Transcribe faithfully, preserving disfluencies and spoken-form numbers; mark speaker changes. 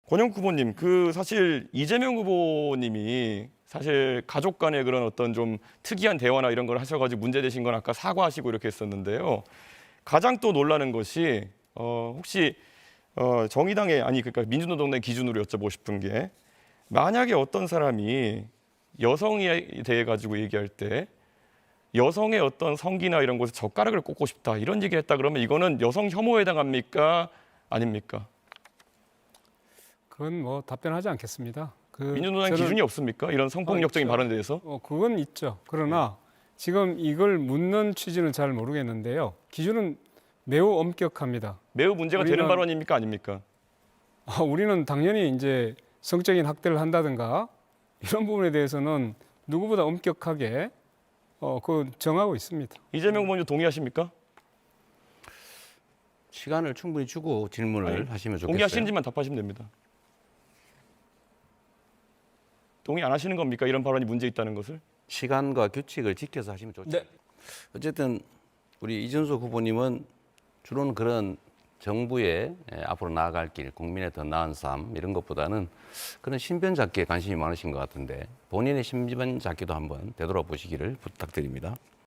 Speaker 1: 권영국 후보님, 그 사실 이재명 후보님이 사실 가족 간의 그런 어떤 좀 특이한 대화나 이런 걸 하셔가지고 문제되신 건 아까 사과하시고 이렇게 했었는데요. 가장 또 놀라는 것이 어, 혹시 어, 정의당의 아니 그러니까 민주노동당 기준으로 여쭤보고 싶은 게 만약에 어떤 사람이 여성에 대해 가지고 얘기할 때 여성의 어떤 성기나 이런 곳에 젓가락을 꽂고 싶다 이런 얘기를 했다 그러면 이거는 여성 혐오에 해당합니까? 아닙니까?
Speaker 2: 그건 뭐 답변하지 않겠습니다. 그
Speaker 1: 민주노당
Speaker 2: 저는-
Speaker 1: 기준이 없습니까? 이런 성폭력적인
Speaker 2: 어, 있죠.
Speaker 1: 발언에 대해서?
Speaker 2: 어, 그건 있죠. 그러나 지금 이걸 묻는 취지는 잘 모르겠는데요. 기준은 매우 엄격합니다.
Speaker 1: 매우 문제가 되는
Speaker 2: 우리는-
Speaker 1: 발언입니까? 아닙니까?
Speaker 2: 아, 우리는 당연히 이제 성적인 학대를 한다든가 이런 부분에 대해서는 누구보다 엄격하게 어, 그 정하고 있습니다.
Speaker 1: 이재명 후보님 동의하십니까?
Speaker 3: 시간을 충분히 주고 질문을
Speaker 1: 아니,
Speaker 3: 하시면 좋겠어요.
Speaker 1: 동의하시는지만 답하시면 됩니다. 동의 안 하시는 겁니까? 이런 발언이 문제 있다는 것을?
Speaker 3: 시간과 규칙을 지켜서 하시면 좋죠.
Speaker 2: 네.
Speaker 3: 어쨌든 우리 이준석 후보님은 주로는 그런 정부의 예, 앞으로 나아갈 길, 국민의 더 나은 삶 이런 것보다는 그런 신변 잡기에 관심이 많으신 것 같은데 본인의 신변 잡기도 한번 되돌아보시기를 부탁드립니다.